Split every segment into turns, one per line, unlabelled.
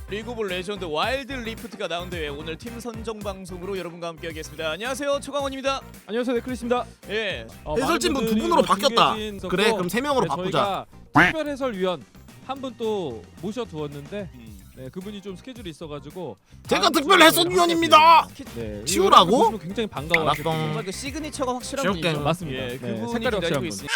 리그 오브 레전드 와일드 리프트가 나온 대회 오늘 팀 선정 방송으로 여러분과 함께하겠습니다. 안녕하세요, 초강원입니다.
안녕하세요, 네클리스입니다.
예.
해설진분 두 분으로 바뀌었다. 그래, 그럼 세 명으로 바꾸자.
특별 해설위원 한 분 또 모셔두었는데 네, 그분이 좀 스케줄이 있어가지고
제가 특별 해설위원입니다.
네,
치우라고?
여러분들 굉장히 반가워하시고
정말 그 시그니처가 확실한
지옥 게임.
분이죠.
맞습니다.
예,
네,
그분이
색깔이
기다리고
확실한
있습니다.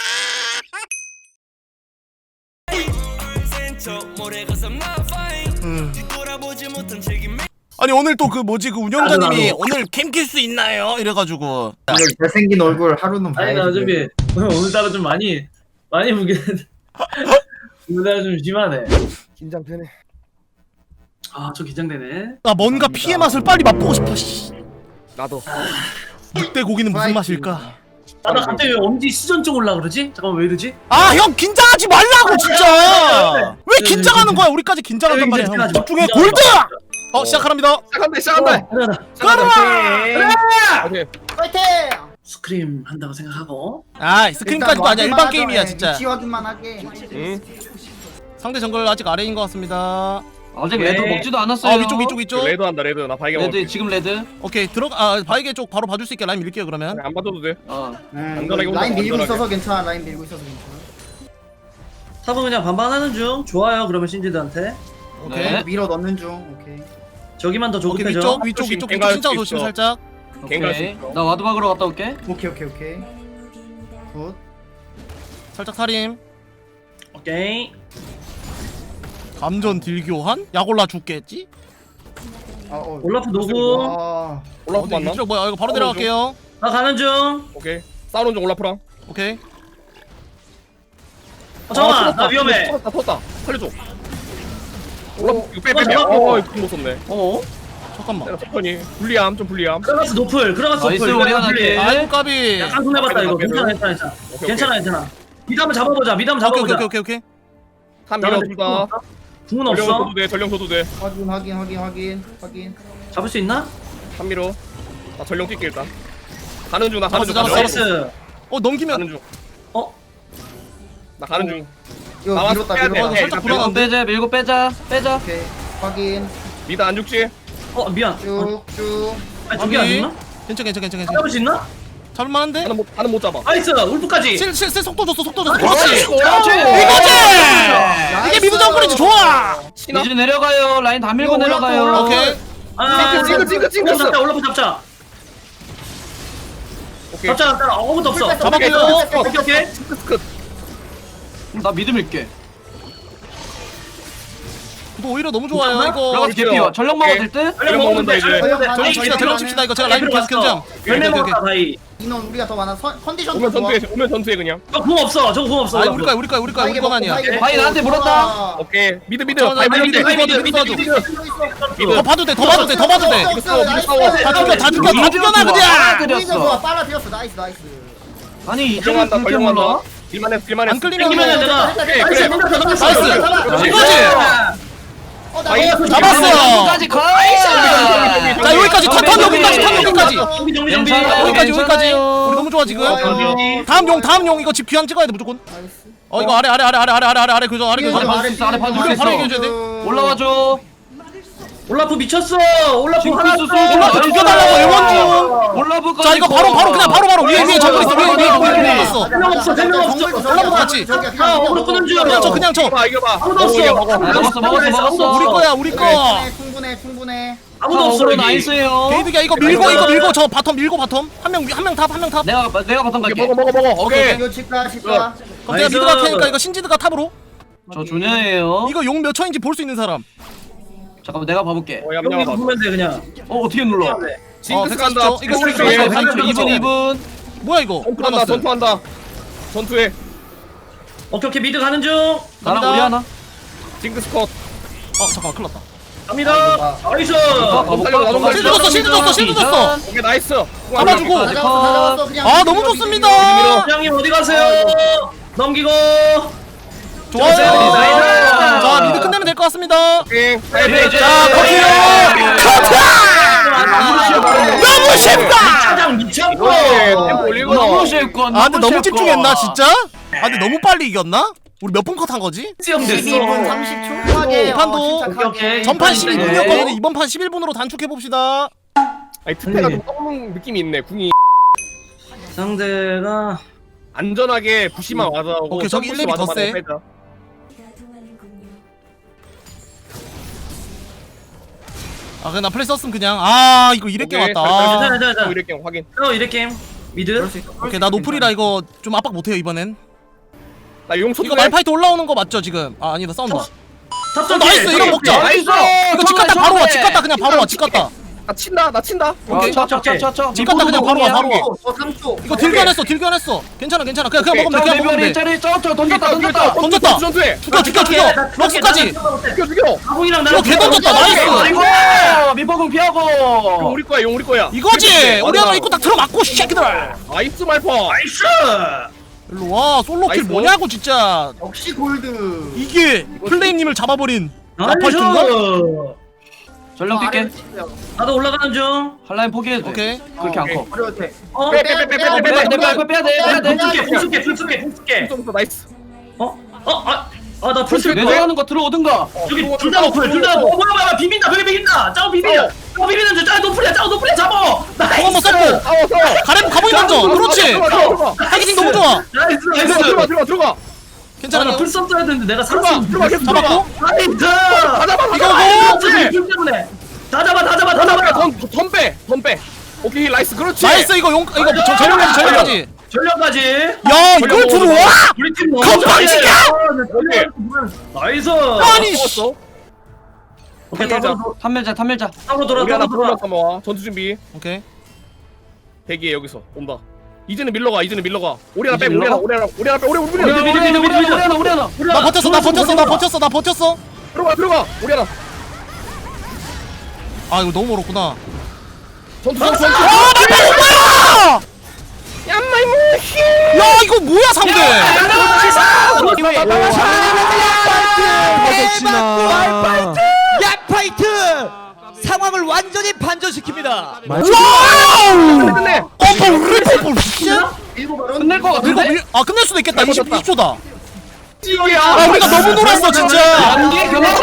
아니 오늘 또 그 뭐지 그 운영자님이 오늘 캠 킬 수 있나요? 이래가지고
여기 잘생긴 얼굴 하루는
아니 나 어차피 오늘따라 좀 많이 무게는 오늘따라 좀 심하네.
긴장되네.
아 저 긴장되네.
나 뭔가 피의 맛을 빨리 맛보고 싶어. 씨.
나도.
늑대 고기는 무슨 맛일까?
나 갑자기 왜 엄지 시전증 올라 그러지? 잠깐만 왜 이러지?
아 형 긴장하지 말라고 진짜. 왜 긴장하는 거야? 우리까지 긴장한단 말이야. 형. 집중해 골드. 시작합니다.
시작한다.
가자.
파이팅!
스크림 한다고 생각하고.
아 스크림까지도 아니야. 일반 게임이야 진짜.
위치 확인만 하게.
상대 정글 아직 아래인 것 같습니다.
아직
네.
레드 먹지도 않았어요.
위쪽.
레드 한다 레드 나 발견
레드 지금 레드.
오케이 바이게 쪽 바로 봐줄 수 있게 라인 밀게요 그러면.
안 봐줘도 돼.
라인
안전하게
밀고
안전하게.
있어서 괜찮아. 라인 밀고 있어서 괜찮아.
탑은 그냥 반반하는 중. 좋아요. 그러면 신지드한테
오케이.
네.
밀어 넣는 중. 오케이.
저기만 더
오케이
조급해져.
위쪽
조심,
진짜
갱갈 수
조심
있어.
살짝.
갱갈 수
오케이.
있어.
나 와드 박으러 갔다 올게.
오케이. 굿.
살짝 살림.
오케이.
감전 딜교환? 약 올라 죽겠지?
올라프 노구.
올라프 맞나?
위쪽 뭐야 이거 바로 내려갈게요.
나 가는 중.
오케이. 싸우는 중 올라프랑.
오케이.
잠깐만 나 위험해.
터졌다. 살려줘. 올라프 이거 빼.
잠깐만.
이거 못 썼네.
어?
잠깐만.
내가 천천히. 불리함 좀 불리함.
크라가스 노플. 크라가스
나이스,
노플.
우리 하나게.
아이고 까비.
약간 손해봤다 이거. 괜찮아.
오케이,
괜찮아. 미드 한번 잡아보자. 미드 한번 잡아보자.
오케이.
한 밀어 둘다.
궁은
전령
없어.
줘도 돼. 전령 줘도 돼.
확인.
잡을 수 있나?
한 밀어. 나 전령 뛸게 일단. 가는 중. 나 가는 중.
잡았어.
나이스.
넘기면
가는 중.
어?
나 가는 중.
이거
나와서
밀었다.
빼야 돼.
밀었다.
살짝
이거
불안한데?
빼자 밀고 빼자.
오케이. 확인.
미드 안 죽지?
미안.
쭉.
아니 저기 안 죽나?
괜찮아.
잡을 수 있나?
잡을만한데?
하는 못 잡아.
나이스. 울프까지.
실 속도 줬어.
아,
그렇지.
그렇지.
이거지. 이게 미드 정글이지 좋아.
이제 내려가요. 라인 다 밀고
이거 올라프,
내려가요.
올라프.
오케이.
징크.
잡자. 올라프 잡자.
오케이.
잡자. 아무것도 없어.
잡았고요.
오케이.
나 미드 밀게.
너 오히려 너무 좋아요 이거.
들어가서 개피와 전력 먹어도 될 듯?
전령 먹으면 돼.
전령 칩시다 이거 제가 라인 계속 견장.
열매 먹었다 다이.
인원 우리가 더 많아. 컨디션
오면
좋아.
전투해 그냥.
저궁 없어. 저궁 없어.
아 우리 거만 아니야.
바이 나한테 물었다.
오케이. 미드.
잠깐만,
바이
미드.
미드.
더 봐도 돼. 다 죽여놔 그냥.
그렸어.
빨아들였어. 나이스.
아니 이제
전령한다.
그렇게 몰라?
전령한다. 딜만해.
안 끌리면
땡기면 내가.
그래.
나이스. 이거지. 잡았어.
여기까지 가.
자 여기까지 턴 여기까지.
정비.
여기까지. 우리 너무 좋아 지금. 다음 용 이거 집 귀환 찍어야 돼 무조건. 이거 아래 그죠 아래 그죠.
아래 봐줄 수 있어. 아래 봐줄 수
우리 바로
있어.
이겨줘야 돼.
올라와줘.
올라프 미쳤어. 올라프
징크스
하나
쏘.
올라프 죽여달라고 애원 중.
올라브
자 이거 바로 위에 정글 있어 위에 있어.
대명 없어.
올라프 같이.
어그로 끄는 중.
그냥 쳐.
이겨봐.
아무도 없어.
먹었어.
우리 거.
충분해.
아무도 없어.
오로
여기.
나이스예요.
게이드가 이거 밀고 저 바텀 밀고 바텀 한 명 탑.
내가 바텀 갈게.
먹어. 오케이.
이거 집가.
그럼 내가
나이스.
미드 갈 테니까 이거 신지드가 탑으로.
저 조녀예요.
이거 용 몇 초인지 볼 수 있는 사람.
잠깐만 내가 봐볼게.
여기
얌얌아 봐.
보면 돼 그냥.
어떻게 눌러?
징크스
140초.
간다.
이거 우리
징크스
거.
간다.
2분.
뭐야 이거?
전투한다. 전투해.
오케이 미드 가는 중.
나랑 우리 하나.
징크스 컷.
잠깐만 큰일 났다.
갑니다. 나이스.
실드 줬어.
오케이 나이스.
잡아주고.
다 잡았어. 그냥.
너무 좋습니다.
부장님 어디 가세요? 넘기고.
좋아요.
나이스.
자 미드 끝내면 될 것 같습니다.
오케이.
자 커트. 너무 쉽다.
짜장 미쳤고.
템포 올리고.
너무 쉽고.
근데 너무 집중했나 진짜? 근데 너무 빨리 이겼나? 우리 몇 분 컷 한 거지?
수영 됐어.
12분 30초. 침착하게,
판도.
침착하게.
오케이.
전판
네.
12분이었거든요. 이번 판 11분으로 단축해 봅시다.
아니 특패가 좀 썩는 느낌이 있네. 궁이
상대가
안전하게 부시만 와서 하고
오케이, 저기
점프시
1렙이 더
와서
세.
빼자.
아 그냥 나 플레이 썼으면 그냥 아 이거 이랬게
오케이,
왔다.
잘,
아.
자, 자, 자.
이렇게 확인.
이래 게임 미드.
오케이 나 노플이라 이거 좀 압박 못해요 이번엔.
나 용초
이거 말파이트 올라오는 거 맞죠 지금? 아 아니다 싸운다.
탑선
나이스, 이거 먹자.
나이스.
이거 집 갔다 바로 와. 집 갔다 그냥 바로 와. 집 갔다.
나 친다. 나 친다.
오케이.
쳐쳐쳐쳐.
집 갔다 그냥 바로 와. 바로 와.
3초.
이거 딜견했어. 딜견했어. 괜찮아 괜찮아. 그냥 먹으면 돼. 그냥 먹으면 돼.
짜리 던졌다 던졌다.
던졌다.
전투해.
죽여. 럭스까지.
죽여.
아궁이랑
이거 개 던졌다. 나이스.
아이고 미포공
용
피하고.
우리 거야. 용 우리 거야.
이거지. 우리 하나 입고 딱 들어맞고 새끼들.
나이스 말파.
나이스.
일로 와. 솔로킬
나이스.
뭐냐고 진짜.
역시 골드.
이게 플레임님을 잡아버린 나팔트인가?
나이스.
전령 뛸게.
나도 올라가는 중.
한라인 포기해도 돼.
오케이.
그렇게 안 커.
어려울 때.
어?
빼야 돼.
풀게.
좀 나이스.
나 풀쓸 거야.
내려가는 거 들어오든가.
여기 둘 다 높을, 둘다 뭐야, 비빈다, 벽에 비빈다. 짜오 비빈다. 짜오 비비는 줄, 짜오 높을이야, 짜오 높을이야, 잡어.
공 한번 썼고.
싸워 싸워.
가렘 가보이 먼저. 그렇지. 타겟팅 너무 좋아.
나이스,
들어가.
괜찮아.
나 풀썸 써야 되는데 내가 살았어.
들어가 계속
잡았고.
나이스.
다 잡아.
이거고.
때문에. 다 잡아.
던 빼. 오케이 나이스. 그렇지.
나이스 이거 용 이거 전력까지.
전력까지.
야 이걸 들어와?
우리 팀 너무
건방지게!
잘해. 나이스.
아니 씨.
먹었어.
오케이,
탐멸자.
타고
우리 하나
돌아.
불러 삼아. 전투 준비.
오케이.
대기해 여기서 온다. 이제는 밀러가. 우리 하나
이제
빼.
밀러가?
우리 하나 빼. 우리
우리 하나.
나 버텼어.
들어가. 우리 하나.
아 이거 너무 멀었구나.
전투.
야 이거 뭐야 상대?
약파이트 상황을 완전히 반전시킵니다.
끝내.
일곱 발언.
끝낼 거 같은데?
아 끝낼 수도 있겠다. 22초다.
찌개야.
아 우리가 너무 놀았어 진짜.
안돼 그만.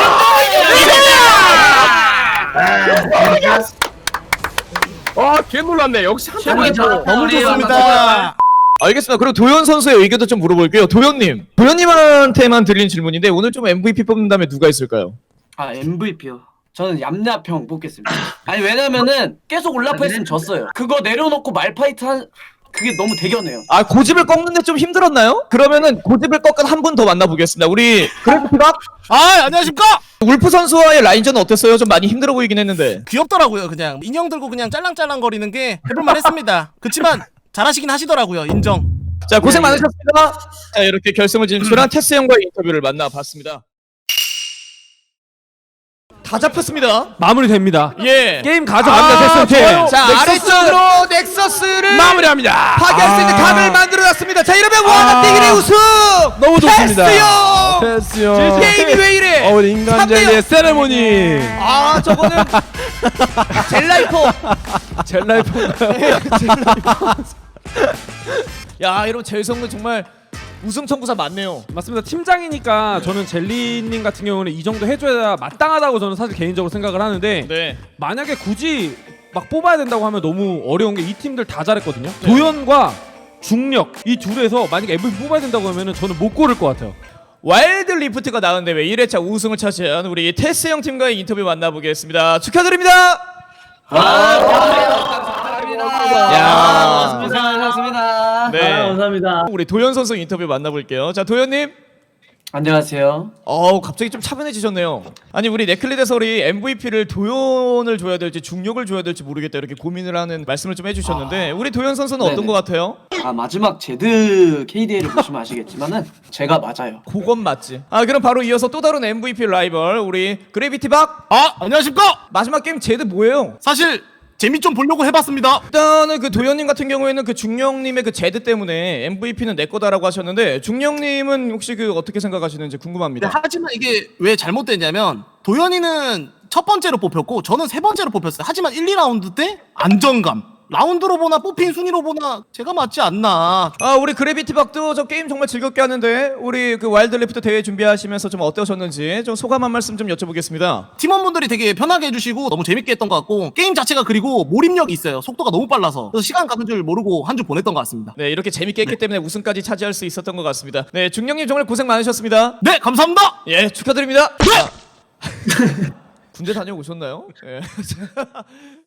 개 놀랐네. 역시 한 번에
너무 좋습니다.
알겠습니다. 그리고 도현 선수의 의견도 좀 물어볼게요. 도현님한테만 드리는 질문인데 오늘 좀 MVP 뽑는다면 누가 있을까요?
아 MVP요. 저는 얌얌평 뽑겠습니다. 아니 왜냐면은 계속 올라프 했으면 졌어요. 그거 내려놓고 말파이트 한 그게 너무 대견해요.
아 고집을 꺾는데 좀 힘들었나요? 그러면은 고집을 꺾은 한 분 더 만나보겠습니다. 우리 그래프티박
아 안녕하십니까?
울프 선수와의 라인전은 어땠어요? 좀 많이 힘들어 보이긴 했는데.
귀엽더라고요 그냥 인형 들고 그냥 짤랑짤랑 거리는 게 해볼만 했습니다. 그치만 잘하시긴 하시더라고요 인정.
자 고생 많으셨습니다. 자 이렇게 결승을 진출한 테스 형과의 인터뷰를 만나봤습니다. 다 잡혔습니다.
마무리됩니다.
예.
게임 가져갑니다. 테스트.
자 아래쪽으로 넥서스를
마무리합니다.
파괴할 수 있는 각을 만들어놨습니다. 자 이러면 와나뛰기의 우승
너무 좋습니다.
테스요.
테스요.
게임이 왜 이래?
우리 인간 젤리의 세레모니.
아 저거는 젤라이퍼.
젤라이프인가요?
야 이런 재성은 정말 우승 청구사 맞네요.
맞습니다. 팀장이니까 저는 젤리님 같은 경우는 이 정도 해줘야 마땅하다고 저는 사실 개인적으로 생각을 하는데
네.
만약에 굳이 막 뽑아야 된다고 하면 너무 어려운 게 이 팀들 다 잘했거든요. 도현과 중력 이 둘에서 만약에 MVP 뽑아야 된다고 하면은 저는 못 고를 것 같아요.
와일드 리프트가 나온 대회 1회차 우승을 차지한 우리 테스 형 팀과의 인터뷰 만나보겠습니다. 축하드립니다. 야.
고생하셨습니다.
네.
감사합니다.
우리 도현 선수 인터뷰 만나볼게요. 자 도현님.
안녕하세요.
갑자기 좀 차분해지셨네요. 아니 우리 네클리드 해설이 MVP를 도현을 줘야 될지 중력을 줘야 될지 모르겠다 이렇게 고민을 하는 말씀을 좀 해주셨는데 우리 도현 선수는 어떤
네네.
것 같아요?
아 마지막 제드 KDA를 보시면 아시겠지만은 제가 맞아요.
그건 맞지. 아 그럼 바로 이어서 또 다른 MVP 라이벌 우리 그래비티 박.
아 안녕하십니까?
마지막 게임 제드 뭐예요?
사실 재미 좀 보려고 해봤습니다.
일단은 그 도현님 같은 경우에는 그 중령님의 그 제드 때문에 MVP는 내 거다라고 하셨는데 중령님은 혹시 그 어떻게 생각하시는지 궁금합니다.
하지만 이게 왜 잘못됐냐면 도현이는 첫 번째로 뽑혔고 저는 세 번째로 뽑혔어요. 하지만 1, 2라운드 때 안정감 라운드로 보나 뽑힌 순위로 보나 제가 맞지 않나.
아 우리 그래비티 박도 저 게임 정말 즐겁게 하는데 우리 그 와일드 레프트 대회 준비하시면서 좀 어떠셨는지 좀 소감 한 말씀 좀 여쭤보겠습니다.
팀원분들이 되게 편하게 해주시고 너무 재밌게 했던 것 같고 게임 자체가 그리고 몰입력이 있어요. 속도가 너무 빨라서 그래서 시간 가는 줄 모르고 한 주 보냈던 것 같습니다.
네 이렇게 재밌게 했기 때문에 우승까지 차지할 수 있었던 것 같습니다. 네 중령님 정말 고생 많으셨습니다.
네 감사합니다.
예 축하드립니다.
네!
군대 다녀오셨나요? 예.